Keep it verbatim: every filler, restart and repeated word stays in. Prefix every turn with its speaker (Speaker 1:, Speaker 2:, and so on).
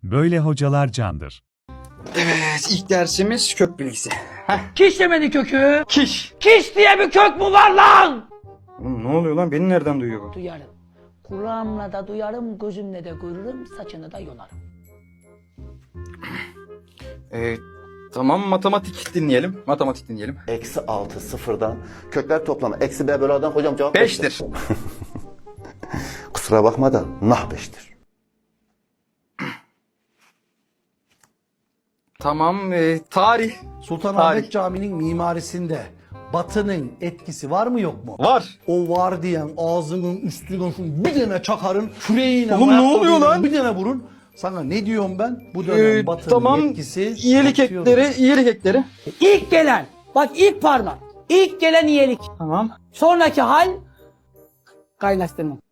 Speaker 1: Böyle hocalar candır.
Speaker 2: Evet, ilk dersimiz kök bilgisi. Heh.
Speaker 3: Kiş demenin kökü.
Speaker 2: Kiş.
Speaker 3: Kiş diye bir kök mü var lan?
Speaker 2: Oğlum ne oluyor lan? Beni nereden duyuyor bu?
Speaker 3: Duyarım. Kulağımla da duyarım, gözümle de görürüm, saçını da yolarım.
Speaker 2: Ee, tamam, matematik dinleyelim. Matematik dinleyelim.
Speaker 4: Eksi altı sıfırdan kökler toplamı. Eksi b bölü a'dan hocam cevap
Speaker 2: Beştir.
Speaker 4: Kusura bakma da nah beştir.
Speaker 2: Tamam, e, tarih.
Speaker 5: Sultanahmet
Speaker 2: Tarih.
Speaker 5: Camii'nin mimarisinde Batı'nın etkisi var mı yok mu?
Speaker 2: Var.
Speaker 5: O var diyen ağzının üstüne şunu bir tane çakarın, küreğine
Speaker 2: Oğlum ne oluyor lan?
Speaker 5: bir tane vurun. Sana ne diyorum ben? Bu dönem
Speaker 2: Ee,
Speaker 5: Batı'nın
Speaker 2: tamam,
Speaker 5: etkisi
Speaker 2: iyilik
Speaker 5: artıyor.
Speaker 2: ekleri, iyilik ekleri.
Speaker 3: İlk gelen, bak ilk parmak. İlk gelen iyilik.
Speaker 2: Tamam.
Speaker 3: Sonraki hal kaynaştırma.